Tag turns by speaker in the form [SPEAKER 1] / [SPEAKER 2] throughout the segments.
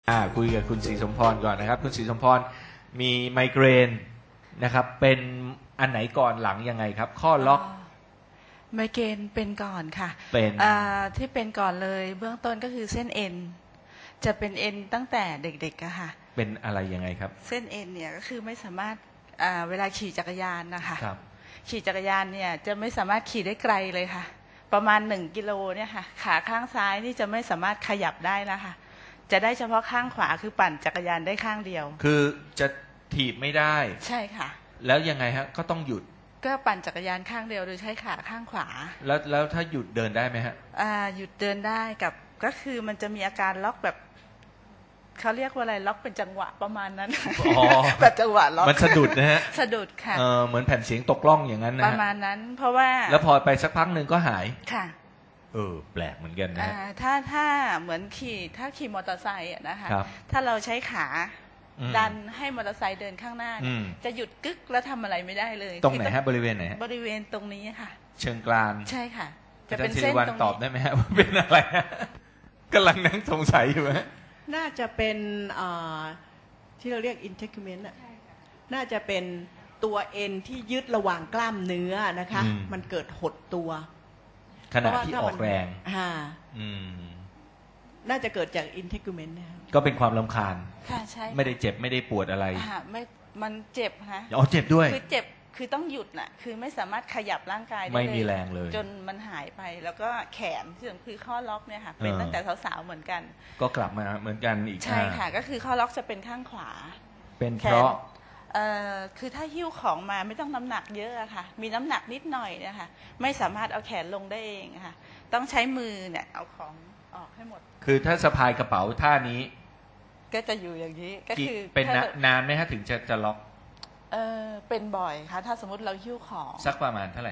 [SPEAKER 1] คุยกับคุณศรีสมพรก่อนนะครับคุณศรีสมพรมีไมเกรนนะครับเป็นอันไหนก่อนหลังยังไงครับข้อล็อก
[SPEAKER 2] ไมเกรนเป็นก่อนค่ะ
[SPEAKER 1] เป็น
[SPEAKER 2] ที่เป็นก่อนเลยเบื้องต้นก็คือเส้นเอ็นจะเป็นเอ็นตั้งแต่เด็กๆอะค่ะ
[SPEAKER 1] เป็นอะไรยังไงครับ
[SPEAKER 2] เส้นเอ็นเนี่ยก็คือไม่สามารถเวลาขี่จักรยานนะคะขี่จักรยานเนี่ยจะไม่สามารถขี่ได้ไกลเลยค่ะประมาณ1 กิโลเนี่ยค่ะขาข้างซ้ายนี่จะไม่สามารถขยับได้นะคะจะได้เฉพาะข้างขวาคือปั่นจักรยานได้ข้างเดียว
[SPEAKER 1] คือจะถีบไม่ได้
[SPEAKER 2] ใช่ค่ะ
[SPEAKER 1] แล้วยังไงฮะก็ต้องหยุด
[SPEAKER 2] ก็ปั่นจักรยานข้างเดียวโดยใช้ขาข้างขวา
[SPEAKER 1] แล้วถ้าหยุดเดินได้ไหมฮะ
[SPEAKER 2] หยุดเดินได้กับก็คือมันจะมีอาการล็อกแบบเขาเรียกว่าอะไรล็อกเป็นจังหวะประมาณนั้นแบบจังหวะล็อก
[SPEAKER 1] มันสะดุดนะฮะ
[SPEAKER 2] สะดุดค่ะ
[SPEAKER 1] เหมือนแผ่นเสียงตกล่องอย่างนั้นนะ
[SPEAKER 2] ประมาณนั้นเพราะว่า
[SPEAKER 1] แล้วพอไปสักพักหนึ่งก็หาย
[SPEAKER 2] ค่ะ
[SPEAKER 1] แปลกเหมือนกันนะ
[SPEAKER 2] ถ้าเหมือนขี่มอเตอร์ไซค์นะคะถ้าเราใช้ขาดันให้มอเตอร์ไซค์เดินข้างหน้าจะหยุดกึกแล้วทำอะไรไม่ได้เลย
[SPEAKER 1] ตรงไหนฮะบริเวณไหน
[SPEAKER 2] บริเวณตรงนี้ค่ะ
[SPEAKER 1] เชิงกราน
[SPEAKER 2] ใช่ค่ะ
[SPEAKER 1] จะเป็นเส้นตรงนี้ตอบได้ไหมฮะว่าเป็นอะไรกำลังนั่งสงสัยอยู่ฮะ
[SPEAKER 3] น่าจะเป็นที่เราเรียก integument น่าจะเป็นตัวเอ็นที่ยึดระหว่างกล้ามเนื้อนะคะมันเกิดหดตัว
[SPEAKER 1] ขณะที่ออกแรง
[SPEAKER 3] น่าจะเกิดจาก integument นะ
[SPEAKER 1] ก็เป็นความรำคาญ
[SPEAKER 2] ค่ะใช่
[SPEAKER 1] ไม่ได้เจ็บไม่ได้ปวดอะไร
[SPEAKER 2] ไม่มันเจ็บฮะ
[SPEAKER 1] เจ็บด้วย
[SPEAKER 2] คือเจ็บคือต้องหยุดน่ะคือไม่สามารถขยับร่างกายได้
[SPEAKER 1] ไม่มีแรงเลย
[SPEAKER 2] จนมันหายไปแล้วก็แขนคือข้อล็อกเนี่ยค่ะเป็นตั้งแต่สาวๆเหมือนกัน
[SPEAKER 1] ก็กลับมาเหมือนกันอีก
[SPEAKER 2] ใช่ค่ะก็คือข้อล็อกจะเป็นข้างขวา
[SPEAKER 1] เป็นเพราะ
[SPEAKER 2] คือถ้าหิ้วของมาไม่ต้องน้ำหนักเยอะค่ะมีน้ำหนักนิดหน่อยนะคะไม่สามารถเอาแขนลงได้เองค่ะต้องใช้มือเนี่ยเอาของออกให้หมด
[SPEAKER 1] คือถ้าสะพายกระเป๋าท่านี้
[SPEAKER 2] ก็จะอยู่อย่างนี้ก็คือ
[SPEAKER 1] เป็นนานไหมฮะถึงจะล็อก
[SPEAKER 2] เป็นบ่อยค่ะถ้าสมมติเราหิ้วของ
[SPEAKER 1] สักประมาณเท่าไหร่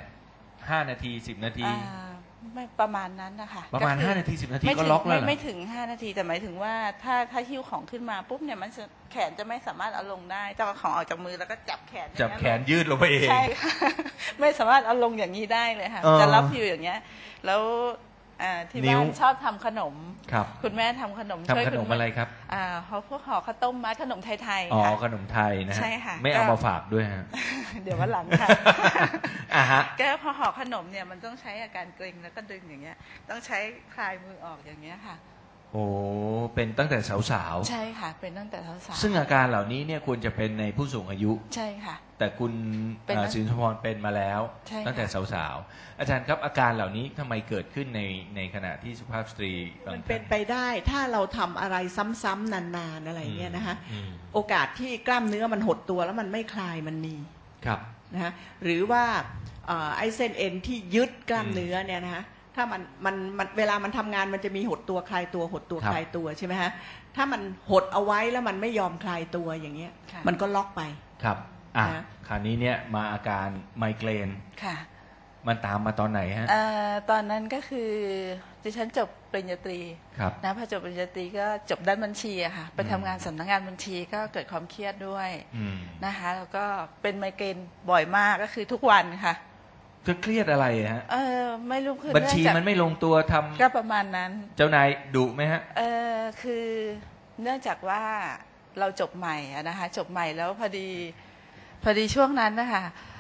[SPEAKER 1] 5 นาที10 นาที
[SPEAKER 2] ไม่ประมาณนั้นนะคะ
[SPEAKER 1] ประมาณ5 นาที10 นาทีก็ล็อกแล้ว
[SPEAKER 2] ไม่ถึง5 นาทีแต่หมายถึงว่าถ้าหิ้วของขึ้นมาปุ๊บเนี่ยมันแขนจะไม่สามารถเอาลงได้ต้องเอาของออกจากมือแล้วก็จับแขน
[SPEAKER 1] ยืดลงไปเอง
[SPEAKER 2] ใช่ค่ะไม่สามารถเอาลงอย่างนี้ได้เลยค่ะจะรับอยู่อย่างเงี้ยแล้วที่บ้านชอบทำขนมคุณแม่ทำขนม
[SPEAKER 1] ช่วยขนมอะไรครับ
[SPEAKER 2] พวกห่อข้าวต้มมัดขนมไทย
[SPEAKER 1] ๆค่ะขนมไทยนะ
[SPEAKER 2] ใช่ค่ะ
[SPEAKER 1] ไม่เอามาฝากด้วยฮะ
[SPEAKER 2] เดี๋ยววันหลังค่ะก็พอห่อขนมเนี่ยมันต้องใช้อาการเกร็งแล้วก็ดึงอย่างเงี้ยต้องใช้คลายมือออกอย่างเงี้ยค่ะ
[SPEAKER 1] เป็นตั้งแต่สาว
[SPEAKER 2] ๆใช่ค่ะเป็นตั้งแต่สาว
[SPEAKER 1] ๆซึ่งอาการเหล่านี้เนี่ยควรจะเป็นในผู้สูงอายุ
[SPEAKER 2] ใช่ค่ะ
[SPEAKER 1] แต่คุณศรีสมพรเป็นมาแล้วตั้งแต่สาวๆอาจารย์ครับอาการเหล่านี้ทำไมเกิดขึ้นในขณะที่สุภาพสตรี
[SPEAKER 3] มันเป็นไปได้ถ้าเราทำอะไรซ้ำๆนานๆอะไรเงี้ยนะคะโอกาสที่กล้ามเนื้อมันหดตัวแล้วมันไม่คลายมันมี
[SPEAKER 1] ครับ
[SPEAKER 3] นะคะหรือว่าไอ้เส้นเอ็นที่ยึดกล้ามเนื้อเนี่ยนะคะถ้ามันเวลามันทำงานมันจะมีหดตัวคลายตัวหดตัวคลายตัวใช่ไหมฮะถ้ามันหดเอาไว้แล้วมันไม่ยอมคลายตัวอย่างเงี้ยมันก็ล็อกไป
[SPEAKER 1] ครับคราวนี้เนี่ยมาอาการไมเกรน
[SPEAKER 2] ค่ะ
[SPEAKER 1] มันตามมาตอนไหนฮะ
[SPEAKER 2] ตอนนั้นก็คือดิฉันจบปริญญาตรีนะพอจบปริญญาตรีก็จบด้านบัญชีอะค่ะไปทำงานสำนักงานบัญชีก็เกิดความเครียดด้วยนะคะแล้วก็เป็นไมเกรนบ่อยมากก็คือทุกวันค่ะ
[SPEAKER 1] เครียดอะไรฮะ
[SPEAKER 2] ไม่รู้คือ
[SPEAKER 1] บัญชีมันไม่ลงตัวทำ
[SPEAKER 2] ก็ประมาณนั้น
[SPEAKER 1] เจ้านายดุไหมฮะ
[SPEAKER 2] คือเนื่องจากว่าเราจบใหม่นะคะจบใหม่แล้วพอดีช่วงนั้นนะคะ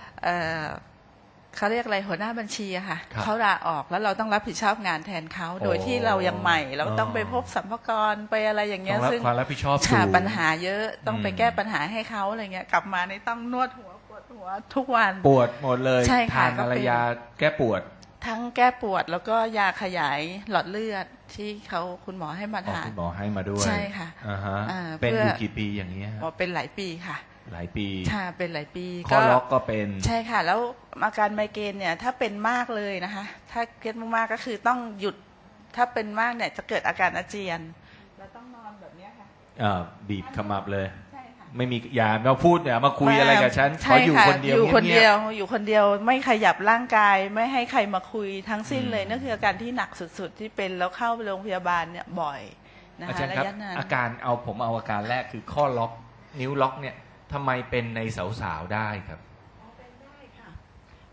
[SPEAKER 2] เขาเรียกอะไรหัวหน้าบัญชีอะค่ะเขาลาออกแล้วเราต้องรับผิดชอบงานแทนเขาโดยที่เรายังใหม่เราต้องไปพบสรรพากรไปอะไรอย่างเงี้ย
[SPEAKER 1] ซึ่งความรับผิดชอบสูง
[SPEAKER 2] ปัญหาเยอะต้องไปแก้ปัญหาให้เขาอะไรเงี้ยกลับมาในต้องนวดหัวปวดหัวทุกวัน
[SPEAKER 1] ปวดหมดเลยทานอะไรยาแก้ปวด
[SPEAKER 2] ทั้งแก้ปวดแล้วก็ยาขยายหลอดเลือดที่คุณหมอให้มาทาน
[SPEAKER 1] คุณหมอให้มาด้วย
[SPEAKER 2] ใช่ค่ะ
[SPEAKER 1] เป็นอยู่กี่ปีอย่างนี้
[SPEAKER 2] เป็นหลายปีค่ะ
[SPEAKER 1] หลายปี
[SPEAKER 2] ค่ะเป็นหลายปี
[SPEAKER 1] ข้อล็อกก็เป็น
[SPEAKER 2] ใช่ค่ะแล้วอาการไมเกรนเนี่ยถ้าเป็นมากเลยนะคะถ้าเครียดมากๆก็คือต้องหยุดถ้าเป็นมากเนี่ยจะเกิดอาการอาเจียนแล้วต้องนอนแบบนี้ค่ะ
[SPEAKER 1] บีบขมับเลยไม่มีอย่ามาพูดอย่ามาคุยอะไรกับฉันขออยู่คนเดียว
[SPEAKER 2] อยู่คนเดียวไม่ขยับร่างกายไม่ให้ใครมาคุยทั้งสิ้นเลยนั่นคืออาการที่หนักสุดๆที่เป็นแล้วเข้าโรงพยาบาลเนี่ยบ่อยนะคะระยะนาน
[SPEAKER 1] อาการผมเอาอาการแรกคือข้อล็อกนิ้วล็อกเนี่ยทำไมเป็นในสาวๆได้ครับ
[SPEAKER 3] เป็นได้ค่ะ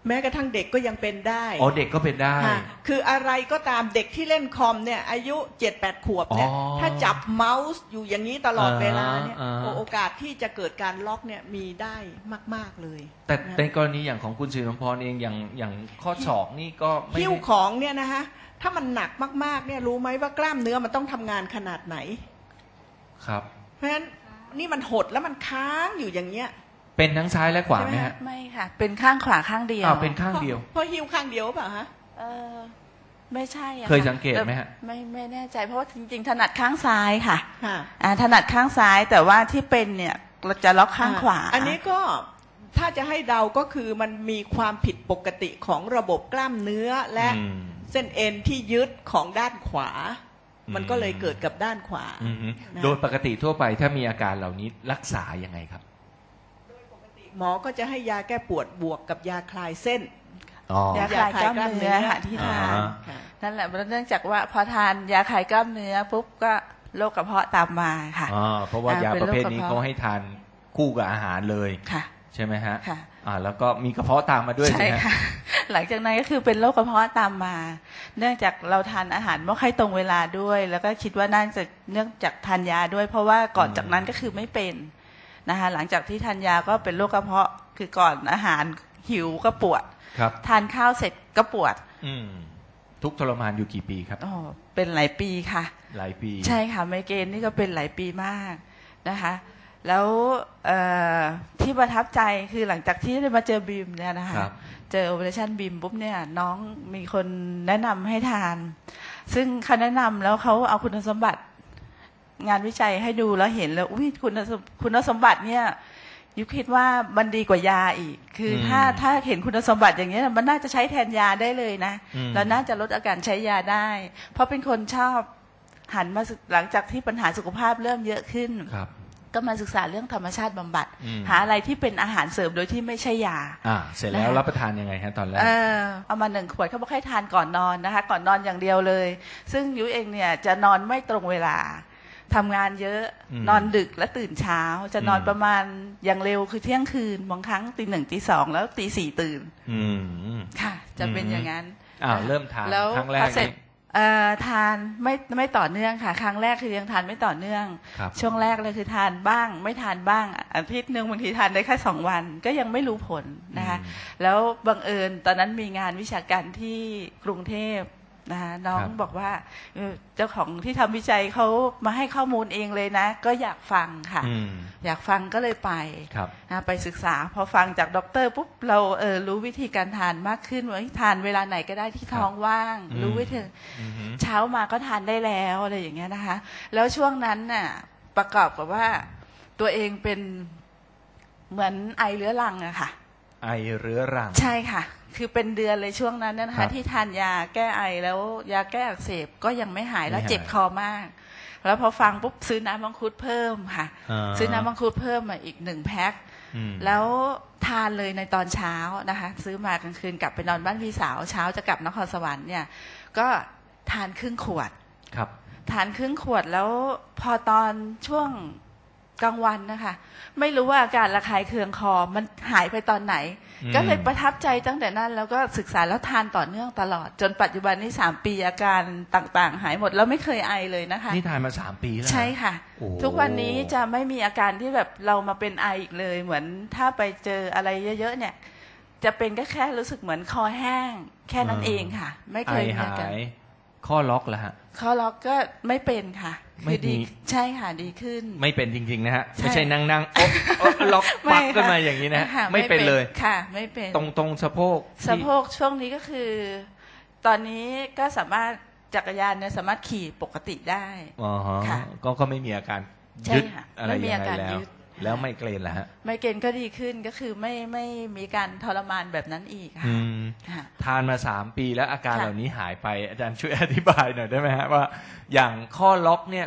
[SPEAKER 3] แม้กระทั่งเด็กก็ยังเป็นได้
[SPEAKER 1] อ๋อเด็กก็เป็นได้
[SPEAKER 3] ค่ะคืออะไรก็ตามเด็กที่เล่นคอมเนี่ยอายุ 7-8 ขวบเนี่ย
[SPEAKER 1] อ๋อ
[SPEAKER 3] ถ้าจับเมาส์อยู่อย่างนี้ตลอดเวลาเนี่ย
[SPEAKER 1] อ่า
[SPEAKER 3] โอกาสที่จะเกิดการล็อกเนี่ยมีได้มากๆเลย
[SPEAKER 1] แต่
[SPEAKER 3] นะ
[SPEAKER 1] ในกรณีอย่างของคุณสิริพรเองอย่างข้อศอกนี่ก็ไม่
[SPEAKER 3] หิ้วของเนี่ยนะคะถ้ามันหนักมากๆเนี่ยรู้ไหมว่ากล้ามเนื้อมันต้องทำงานขนาดไหน
[SPEAKER 1] ครับ
[SPEAKER 3] เพราะฉะนั้นนี่มันหดแล้วมันค้างอยู่อย่างเงี้ย
[SPEAKER 1] เป็นทั้งซ้ายและขวาไหมฮะ
[SPEAKER 2] ไม่ค่ะ เป็นข้างขวาข้างเดียว
[SPEAKER 1] อ้าวเป็นข้างเดียว
[SPEAKER 3] เพราะหิ้วข้างเดียวเปล่าฮะ
[SPEAKER 2] เออไม่ใช่อะะ
[SPEAKER 1] เคยสังเกตไหมฮะ
[SPEAKER 2] ไม่แน่ใจเพราะว่าจริงๆถนัดข้างซ้ายค่ะ
[SPEAKER 3] ค่ะ
[SPEAKER 2] ถนัดข้างซ้ายแต่ว่าที่เป็นเนี่ยเราจะล็อกข้างขวา
[SPEAKER 3] อันนี้ก็ถ้าจะให้เดาก็คือมันมีความผิดปกติของระบบกล้ามเนื้อและ
[SPEAKER 1] อืม
[SPEAKER 3] เส้นเอ็นที่ยึดของด้านขวา
[SPEAKER 1] อืม
[SPEAKER 3] มันก็เลยเกิดกับด้านขวา
[SPEAKER 1] อือฮึ
[SPEAKER 3] นะ
[SPEAKER 1] โดยปกติทั่วไปถ้ามีอาการเหล่านี้รักษายังไงครับ
[SPEAKER 3] หมอก็จะให้ยาแก้ปวดบวกกับยาคลายเส้น
[SPEAKER 1] อ๋อ
[SPEAKER 2] ยาคลายกล้ามเนื้อค่ะที่ทาน
[SPEAKER 1] อ่า
[SPEAKER 3] ค่ะ
[SPEAKER 2] นั่นแหละเนื่องจากว่าพอทานยาคลายกล้ามเนื้อปุ๊บก็โรคกระเพาะตามมาค่ะ
[SPEAKER 1] อ๋อเพราะว่ายา
[SPEAKER 2] เป็น
[SPEAKER 1] ประ
[SPEAKER 2] โรค
[SPEAKER 1] เภท
[SPEAKER 2] กระ
[SPEAKER 1] นี้
[SPEAKER 2] เพาะ
[SPEAKER 1] เขาให้ทานคู่กับอาหารเลย
[SPEAKER 2] ค่ะ
[SPEAKER 1] ใช่ไหมฮะ
[SPEAKER 2] ค่ะ
[SPEAKER 1] แล้วก็มีกระเพาะตามมาด้วย
[SPEAKER 2] ใช่
[SPEAKER 1] สิฮะ
[SPEAKER 2] ค่ะ หลังจากนั้นก็คือเป็นโรคกระเพาะตามมา เนื่องจากเราทานอาหารไม่ค่อยตรงเวลาด้วย แล้วก็คิดว่าน่าจะเนื่องจากทานยาด้วย เพราะว่าก่อนจากนั้นก็คือไม่เป็นนะคะหลังจากที่ทานยาก็เป็นโรคกระเพาะคือก่อนอาหารหิวก็ปวด
[SPEAKER 1] ครับ
[SPEAKER 2] ทานข้าวเสร็จก็ปวด
[SPEAKER 1] อืมทุกข์ทรมานอยู่กี่ปีครับ
[SPEAKER 2] อ๋อเป็นหลายปีค่ะ
[SPEAKER 1] หลายปี
[SPEAKER 2] ใช่ค่ะไมเกรนนี่ก็เป็นหลายปีมากนะคะ แล้วที่ประทับใจคือหลังจากที่ได้มาเจอบีมเนี่ยนะคะ
[SPEAKER 1] ครับ
[SPEAKER 2] เจอ Operation BEAM ปุ๊บเนี่ยน้องมีคนแนะนำให้ทาน ซึ่งเขาแนะนำแล้วเขาเอาคุณสมบัติงานวิจัยให้ดูแล้วเห็นแล้วอุ้ยคุณสมบัติเนี่ยยุคิดว่ามันดีกว่ายาอีก คือถ้าเห็นคุณสมบัติอย่างนี้ยมันน่าจะใช้แทนยาได้เลยนะ แล้วน่าจะลดอาการใช้ยาได้ เพราะเป็นคนชอบหันมาหลังจากที่ปัญหาสุขภาพเริ่มเยอะขึ้น
[SPEAKER 1] ครับ
[SPEAKER 2] ก็มาศึกษาเรื่องธรรมชาติบำบัด
[SPEAKER 1] อืม
[SPEAKER 2] หาอะไรที่เป็นอาหารเสริมโดยที่ไม่ใช่ยา
[SPEAKER 1] เสร็จแล้ว
[SPEAKER 2] นะคะ
[SPEAKER 1] รับประทานยังไงฮะตอนแรก
[SPEAKER 2] เอามา1 ขวดเขาบอกให้ทานก่อนนอนนะคะ ก่อนนอนอย่างเดียวเลย ซึ่งยุ้ยเองเนี่ยจะนอนไม่ตรงเวลาทำงานเยอะ
[SPEAKER 1] อืม
[SPEAKER 2] นอนดึกและตื่นเช้า จะนอน
[SPEAKER 1] อืม
[SPEAKER 2] ประมาณอย่างเร็วคือเที่ยงคืนบางครั้งตี 1ตี 2แล้วตี 4ตื่น
[SPEAKER 1] อืม
[SPEAKER 2] ค่ะ จะเป็นอย่างนั้น
[SPEAKER 1] เริ่มทาน
[SPEAKER 2] แล้ว
[SPEAKER 1] ครั้งแร
[SPEAKER 2] พ
[SPEAKER 1] ก
[SPEAKER 2] อเสร็จ
[SPEAKER 1] นี่
[SPEAKER 2] ทานไม่ต่อเนื่องค่ะ ครั้งแรกคือยังทานไม่ต่อเนื่อง
[SPEAKER 1] ครับ
[SPEAKER 2] ช่วงแรกเลยคือทานบ้าง ไม่ทานบ้างอาทิตย์หนึ่งบางทีทานได้แค่2 วัน ก็ยังไม่รู้ผลนะคะ แล้วบังเอิญตอนนั้นมีงานวิชาการที่กรุงเทพนะคะน้อง
[SPEAKER 1] ครับ
[SPEAKER 2] บอกว่าเจ้าของที่ทำวิจัยเขามาให้ข้อมูลเองเลยนะ ก็อยากฟังค่ะ
[SPEAKER 1] อืม
[SPEAKER 2] อยากฟังก็เลยไป
[SPEAKER 1] ครับ
[SPEAKER 2] ไปศึกษาพอฟังจากด็อกเตอร์ปุ๊บเรารู้วิธีการทานมากขึ้นว่าทานเวลาไหนก็ได้ที่ท้องว่าง
[SPEAKER 1] อืม
[SPEAKER 2] รู้วิธี
[SPEAKER 1] อือฮึ
[SPEAKER 2] เช้ามาก็ทานได้แล้วอะไรอย่างเงี้ยนะคะ แล้วช่วงนั้นน่ะประกอบกับว่าตัวเองเป็นเหมือนไอเรื้อรังอะค่ะ
[SPEAKER 1] ไอเรื้อรัง
[SPEAKER 2] ใช่ค่ะ คือเป็นเดือนเลยช่วงนั้นนะ
[SPEAKER 1] ครั
[SPEAKER 2] คะ
[SPEAKER 1] บ
[SPEAKER 2] ที่ทานยาแก้ไอแล้วยาแก้อักเสบก็ยังไม่หายแล้ว
[SPEAKER 1] ไม่หาย
[SPEAKER 2] เจ็บคอมาก แล้วพอฟังปุ๊บซื้อน้ำมังคุดเพิ่มค่ะ ซื้อน้ำมังคุดเพิ่มมาอีก1 แพ็ค
[SPEAKER 1] อืม
[SPEAKER 2] แล้วทานเลยในตอนเช้านะคะ ซื้อมากลางคืนกลับไปนอนบ้านพี่สาวเช้าจะกลับนครสวรรค์เนี่ยก็ทานครึ่งขวด
[SPEAKER 1] ครับ
[SPEAKER 2] ทานครึ่งขวดแล้วพอตอนช่วงกลางวันนะคะไม่รู้ว่าอาการระคายเคืองคอมันหายไปตอนไหน
[SPEAKER 1] อืม
[SPEAKER 2] ก็เลยประทับใจตั้งแต่นั้นแล้วก็ศึกษาแล้วทานต่อเนื่องตลอด จนปัจจุบันนี้3 ปีอาการต่างๆ หายหมดแล้วไม่เคยไอเลยนะคะ
[SPEAKER 1] นี่ทานมา3 ปีแล้ว
[SPEAKER 2] ใช่ค่ะ
[SPEAKER 1] โอ้
[SPEAKER 2] ทุกวันนี้จะไม่มีอาการที่แบบเรามาเป็นไออีกเลย เหมือนถ้าไปเจออะไรเยอะๆเนี่ย จะเป็นก็แค่รู้สึกเหมือนคอแห้ง แค่นั้นเองค่ะ ไม่
[SPEAKER 1] ไอ
[SPEAKER 2] เคยมี
[SPEAKER 1] หา
[SPEAKER 2] อาการ
[SPEAKER 1] ยข้อล็อกแล้วฮะ
[SPEAKER 2] ข้อล็อกก็ไม่เป็นค่ะ
[SPEAKER 1] ไม่
[SPEAKER 2] คือดี
[SPEAKER 1] มี
[SPEAKER 2] ใช่ค่ะดีขึ้น
[SPEAKER 1] ไม่เป็นจริงๆนะฮะ
[SPEAKER 2] ใช่
[SPEAKER 1] ไม่ใช่นั่งๆโอ๊ะโอ๊ะล็อกปักขึ้นมาอย่างนี้นะฮะ
[SPEAKER 2] ค่ะ
[SPEAKER 1] ไม่เป็นเลย
[SPEAKER 2] ค่ะ ไม่เป็น
[SPEAKER 1] ตรงสะโพกที่
[SPEAKER 2] สะโพกช่วงนี้ก็คือ ตอนนี้ก็สามารถจักรยานเนี่ยสามารถขี่ปกติได้
[SPEAKER 1] อ๋อฮะ
[SPEAKER 2] ค่ะ
[SPEAKER 1] ก็ไม่มีอาการ
[SPEAKER 2] ใช่
[SPEAKER 1] ยึด
[SPEAKER 2] ค่ะ
[SPEAKER 1] อะไร
[SPEAKER 2] ไม่มี
[SPEAKER 1] ยัง
[SPEAKER 2] อา
[SPEAKER 1] ไง
[SPEAKER 2] การ
[SPEAKER 1] แล้ว
[SPEAKER 2] ยึด
[SPEAKER 1] แล้วไม่เกรนแล้วฮะ
[SPEAKER 2] ไมเกรนก็ดีขึ้นก็คือไม่มีการทรมานแบบนั้นอีกค่ะ
[SPEAKER 1] อืม
[SPEAKER 2] ค่ะ
[SPEAKER 1] ทานมา3 ปีแล้วอาการ
[SPEAKER 2] ค่ะ
[SPEAKER 1] เหล่านี้หายไปอาจารย์ช่วยอธิบายหน่อยได้ไหมฮะว่าอย่างข้อล็อกเนี่ย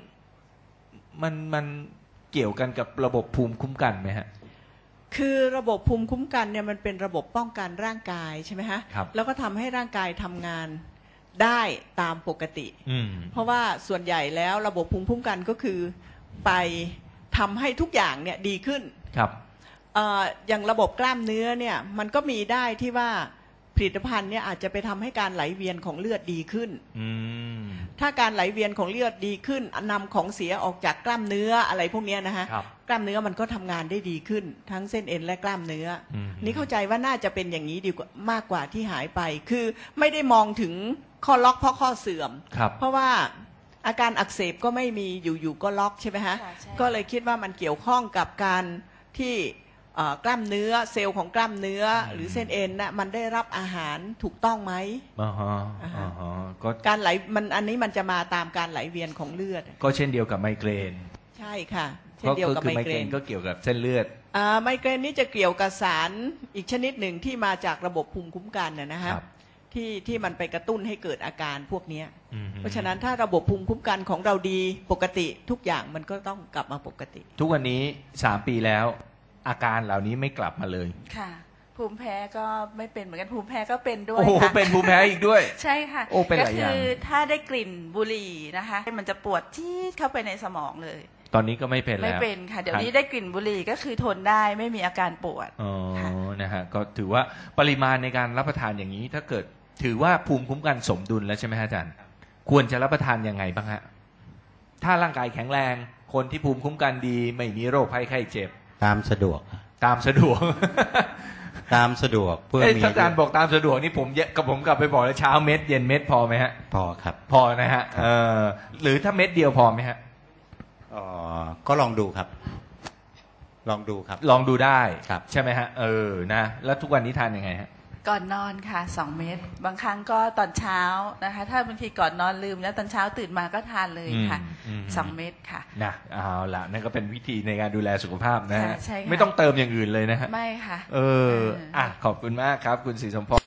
[SPEAKER 1] มันเกี่ยวกันกับระบบภูมิคุ้มกันไหมฮะ
[SPEAKER 3] คือระบบภูมิคุ้มกันเนี่ยมันเป็นระบบป้องกันร่างกายใช่ไหมฮะ
[SPEAKER 1] ครับ
[SPEAKER 3] แล้วก็ทำให้ร่างกายทำงานได้ตามปกติ
[SPEAKER 1] อืม
[SPEAKER 3] เพราะว่าส่วนใหญ่แล้วระบบภูมิคุ้มกันก็คือไปทำให้ทุกอย่างเนี่ยดีขึ้น
[SPEAKER 1] ครับ
[SPEAKER 3] อย่างระบบกล้ามเนื้อเนี่ยมันก็มีได้ที่ว่าผลิตภัณฑ์เนี่ยอาจจะไปทำให้การไหลเวียนของเลือดดีขึ้น
[SPEAKER 1] อืม
[SPEAKER 3] ถ้าการไหลเวียนของเลือดดีขึ้นนำของเสียออกจากกล้ามเนื้ออะไรพวกเนี้ยนะฮะ
[SPEAKER 1] ครับ
[SPEAKER 3] กล้ามเนื้อมันก็ทำงานได้ดีขึ้นทั้งเส้นเอ็นและกล้ามเนื้ออ
[SPEAKER 1] ม
[SPEAKER 3] นี่เข้าใจว่าน่าจะเป็นอย่างนี้ดีกว่ามากกว่าที่หายไป คือไม่ได้มองถึงข้อล็อกเพราะข้อเสื่อม
[SPEAKER 1] ครับ
[SPEAKER 3] เพราะว่าอาการอักเสบก็ไม่มีอยู่ๆก็ล็อกใช่ไหมฮะ
[SPEAKER 2] ค่ะใช่
[SPEAKER 3] ก็เลยคิดว่ามันเกี่ยวข้องกับการที่กล้ามเนื้อเซลล์ของกล้ามเนื้อหรือเส้นเอ็นน่ะมันได้รับอาหารถูกต้องไหม
[SPEAKER 1] อ่าฮะ
[SPEAKER 3] อ่าฮะ
[SPEAKER 1] อ่าฮะก็
[SPEAKER 3] การไหลมันอันนี้มันจะมาตามการไหลเวียนของเลือด
[SPEAKER 1] ก็เช่นเดียวกับไมเกรน
[SPEAKER 3] ใช่ค่ะเช่นเดียวกับ
[SPEAKER 1] คือ
[SPEAKER 3] ไมเกรน
[SPEAKER 1] ก็เกี่ยวกับเส้นเลือด
[SPEAKER 3] ไมเกรนนี่จะเกี่ยวกับสารอีกชนิดหนึ่งที่มาจากระบบภูมิคุ้มกันนะฮะ
[SPEAKER 1] ครับ
[SPEAKER 3] ที่มันไปกระตุ้นให้เกิดอาการพวกเนี้ย
[SPEAKER 1] อืม
[SPEAKER 3] เพราะฉะนั้นถ้าระบบภูมิคุ้มกันของเราดีปกติทุกอย่างมันก็ต้องกลับมาปกติ
[SPEAKER 1] ทุกวันนี้3 ปีแล้ว อาการเหล่านี้ไม่กลับมาเลย
[SPEAKER 2] ค่ะ ภูมิแพ้ก็ไม่เป็นเหมือนกันภูมิแพ้ก็เป็นด้วย
[SPEAKER 1] โอ้โห
[SPEAKER 2] ค่ะ
[SPEAKER 1] เป็นภูมิแพ้อีกด้วย
[SPEAKER 2] ใช่ค่ะ
[SPEAKER 1] โอ้เป็นหลายอย่าง
[SPEAKER 2] ก็คือถ้าได้กลิ่นบุหรี่นะคะมันจะปวดจี๊ดเข้าไปในสมองเลย
[SPEAKER 1] ตอนนี้ก็ไม่เป็นแล้ว
[SPEAKER 2] ไม่เป็นค่ะ เดี๋ยวนี้ได้กลิ่นบุหรี่ก็คือทนได้ไม่มีอาการปวด
[SPEAKER 1] อ๋อ
[SPEAKER 2] ค่ะ
[SPEAKER 1] นะฮะก็ถือว่าปริมาณในการรับประทานอย่างนี้ ถ้าเกิดถือว่าภูมิคุ้มกันสมดุลแล้วใช่ไหมฮะอาจารย์ ควรจะรับประทานยังไงบ้างฮะถ้าร่างกายแข็งแรง คนที่ภูมิคุ้มกันดี ไม่มีโรคภัยไข้เจ็บ
[SPEAKER 4] ตามสะดวก
[SPEAKER 1] ตามสะดวก
[SPEAKER 4] ตามสะดวกเพื่อ
[SPEAKER 1] เอ้ย
[SPEAKER 4] มี
[SPEAKER 1] ถ้าอาจารย์บอกตามสะดวกนี่ผมกลับไปบอกเลยเช้าเม็ดเย็นเม็ดพอไหมฮะ
[SPEAKER 4] พอครับ
[SPEAKER 1] พอนะฮะหรือถ้าเม็ดเดียวพอไหมฮะ
[SPEAKER 4] ก็ลองดูครับ ลองดูครับ
[SPEAKER 1] ลองดูได้
[SPEAKER 4] ครับ
[SPEAKER 1] ใช่ไหมฮะนะแล้วทุกวันนี้ทานยังไงฮะ
[SPEAKER 2] ก่อนนอนค่ะ2 เม็ดบางครั้งก็ตอนเช้านะคะ ถ้าบางทีก่อนนอนลืมแล้วตอนเช้าตื่นมาก็ทานเลยค่ะ
[SPEAKER 1] อืม
[SPEAKER 2] 2 เม็ดค่ะ
[SPEAKER 1] นะเอาละนั่นก็เป็นวิธีในการดูแลสุขภาพนะฮะ
[SPEAKER 2] ใช่ค่ะ
[SPEAKER 1] ไม่ต้องเติมอย่างอื่นเลยนะฮะ
[SPEAKER 2] ไม่ค่ะ
[SPEAKER 1] ขอบคุณมากครับ คุณศรีสมพร